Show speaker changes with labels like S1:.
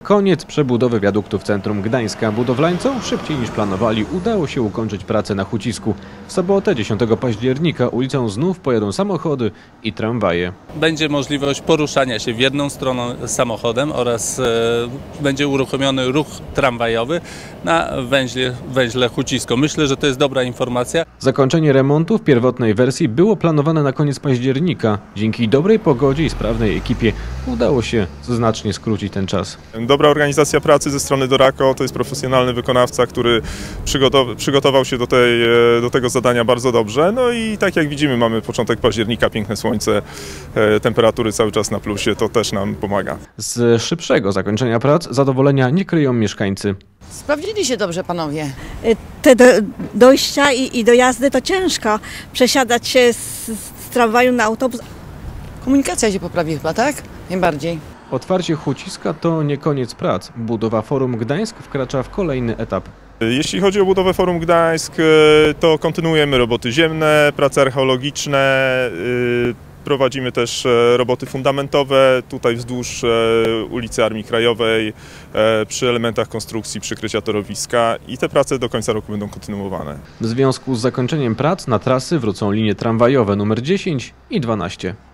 S1: Koniec przebudowy wiaduktu w centrum Gdańska. Budowlańcom szybciej niż planowali udało się ukończyć pracę na Hucisku. W sobotę 10 października ulicą znów pojadą samochody i tramwaje.
S2: Będzie możliwość poruszania się w jedną stronę samochodem oraz będzie uruchomiony ruch tramwajowy na węźle Hucisko. Myślę, że to jest dobra informacja.
S1: Zakończenie remontu w pierwotnej wersji było planowane na koniec października. Dzięki dobrej pogodzie i sprawnej ekipie udało się znacznie skrócić ten czas.
S3: Dobra organizacja pracy ze strony Dorako, to jest profesjonalny wykonawca, który przygotował się do tego zadania bardzo dobrze. No i tak jak widzimy, mamy początek października, piękne słońce, temperatury cały czas na plusie, to też nam pomaga.
S1: Z szybszego zakończenia prac zadowolenia nie kryją mieszkańcy.
S4: Sprawdzili się dobrze panowie.
S5: Te dojścia i dojazdy to ciężko. Przesiadać się z tramwaju na autobus.
S4: Komunikacja się poprawi chyba, tak? Najbardziej.
S1: Otwarcie Huciska to nie koniec prac. Budowa Forum Gdańsk wkracza w kolejny etap.
S3: Jeśli chodzi o budowę Forum Gdańsk, to kontynuujemy roboty ziemne, prace archeologiczne. Prowadzimy też roboty fundamentowe tutaj wzdłuż ulicy Armii Krajowej, przy elementach konstrukcji przykrycia torowiska i te prace do końca roku będą kontynuowane.
S1: W związku z zakończeniem prac na trasy wrócą linie tramwajowe nr 10 i 12.